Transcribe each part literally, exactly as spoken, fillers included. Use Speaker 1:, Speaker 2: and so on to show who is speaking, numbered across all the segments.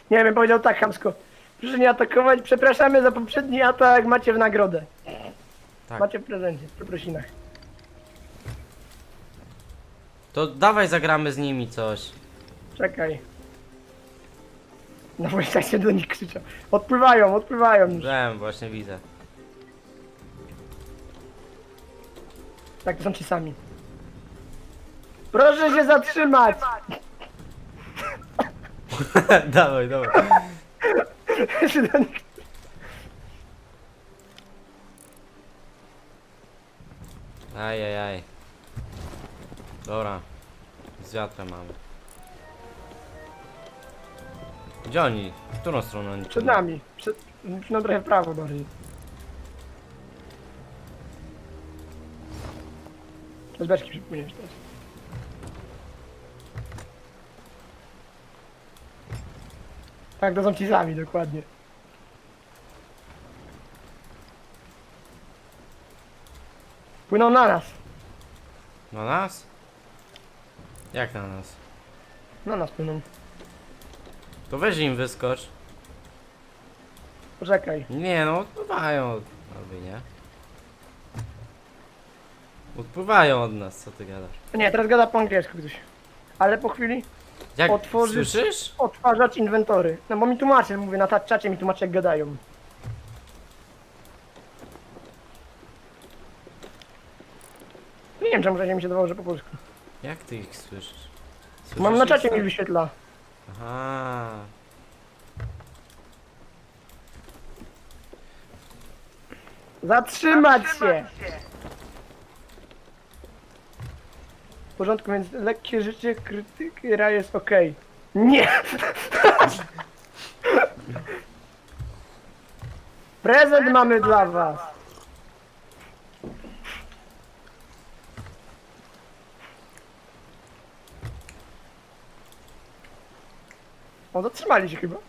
Speaker 1: Nie wiem, powiedział tak chamsko. Proszę nie atakować, przepraszamy za poprzedni atak, macie w nagrodę.
Speaker 2: Tak.
Speaker 1: Macie w prezencie, w przeprosinach.
Speaker 2: To dawaj zagramy z nimi coś.
Speaker 1: Czekaj. No właśnie tak się do nich krzyczał. Odpływają, odpływają już.
Speaker 2: Wiem, właśnie widzę.
Speaker 1: Tak, to są ci sami. Proszę się zatrzymać!
Speaker 2: Dawaj, dawaj.
Speaker 1: Się do nich-
Speaker 2: Ajajaj. Dobra. Z wiatrem mamy. Gdzie oni? W którą stronę oni?
Speaker 1: Przed nami. Przed... No trochę w prawo bardziej. Z beczki przypłyniesz też. Tak, to są ci sami, dokładnie. Płyną na nas.
Speaker 2: Na nas? Jak na nas?
Speaker 1: Na nas płyną.
Speaker 2: To weź im wyskocz.
Speaker 1: Poczekaj.
Speaker 2: Nie no, odpływają. Albo nie. Odpływają od nas, co ty gadasz?
Speaker 1: Nie, teraz gada po angielsku ktoś. Ale po chwili
Speaker 2: Jak
Speaker 1: Otworzysz-
Speaker 2: słyszysz?
Speaker 1: odtwarzać inwentory. No bo mi tłumaczy, mówię, na ta- czacie mi tłumaczy jak gadają. Nie wiem czemu czacie mi się dawało, że po polsku.
Speaker 2: Jak ty ich słyszysz? Słyszysz
Speaker 1: Mam na
Speaker 2: ich
Speaker 1: czacie
Speaker 2: sam?
Speaker 1: mi wyświetla.
Speaker 2: Aha.
Speaker 1: Zatrzymać się! W porządku, więc lekkie życie, krytyki, ra jest okej. Nie! Prezent mamy dla was! O, zatrzymali się chyba.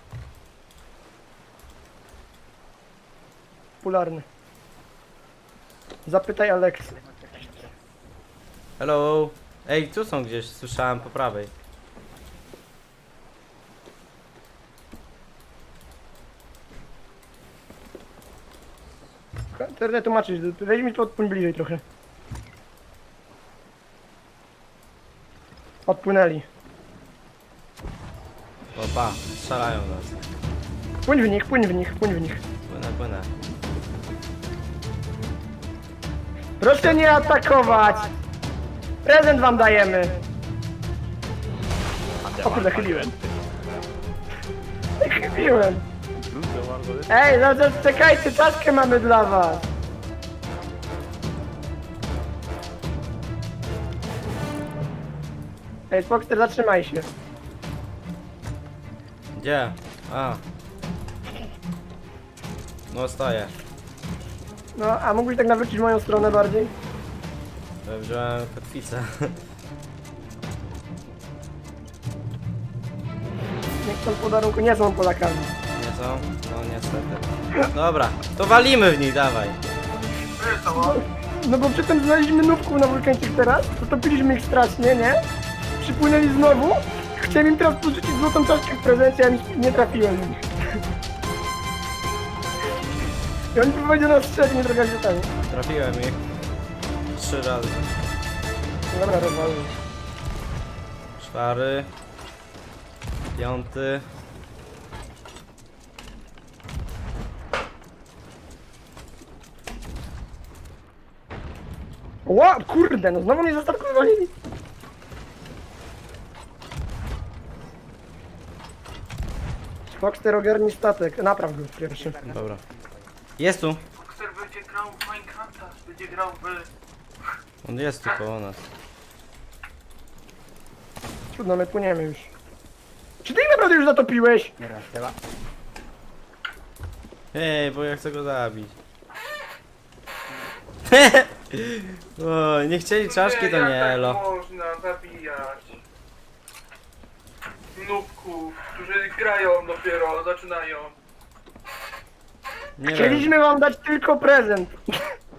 Speaker 1: Popularny. Zapytaj Aleksy.
Speaker 2: Hello. Ej, tu są gdzieś, słyszałem po prawej.
Speaker 1: Teraz tłumaczyć, weź mi to odpłyń bliżej trochę. Odpłynęli.
Speaker 2: Opa, strzelają nas.
Speaker 1: Płyń w nich, płyń w nich, płyń w nich.
Speaker 2: Płynę, płynę.
Speaker 1: Proszę nie atakować! Prezent wam dajemy! O kurde, chybiłem. Chybiłem. Ej, no to czekajcie, czaszkę mamy dla was. Ej, Foxter, zatrzymaj się.
Speaker 2: Gdzie? A. No stoję.
Speaker 1: No, a mógłbyś tak nawrócić w moją stronę bardziej?
Speaker 2: Ja wziąłem kotwicę.
Speaker 1: Niech są podarunku, nie są Polakami.
Speaker 2: Nie są? No niestety. Dobra, to walimy w nich, dawaj.
Speaker 1: No bo przedtem znaleźliśmy nówków na wulkańczyk teraz, potopiliśmy ich strasznie, nie? Przypłynęli znowu, chciałem im teraz porzucić złotą czaszkę w prezencie, a mi nie trafiłem w nich. I oni próbowali do nas strzelić, nie droga źródami.
Speaker 2: Trafiłem ich. Trzy razy.
Speaker 1: No dobra, rozwały.
Speaker 2: Czwary. Piąty.
Speaker 1: Ła, kurde, no znowu mnie za statku wywalili. Foxter ogarni statek, napraw go pierwszy.
Speaker 2: Dobra. Jest tu.
Speaker 3: Boxer będzie grał w Minecrafta, będzie grał w...
Speaker 2: On jest tu koło nas.
Speaker 1: Trudno, my płyniemy już. Czy ty ich naprawdę już zatopiłeś?
Speaker 2: Ej, bo ja chcę go zabić. O, nie chcieli czaszki, to
Speaker 3: jak
Speaker 2: nie
Speaker 3: tak
Speaker 2: elo.
Speaker 3: można zabijać nubków, którzy grają dopiero, zaczynają.
Speaker 2: Nie wiem.
Speaker 1: Chcieliśmy wam dać tylko prezent.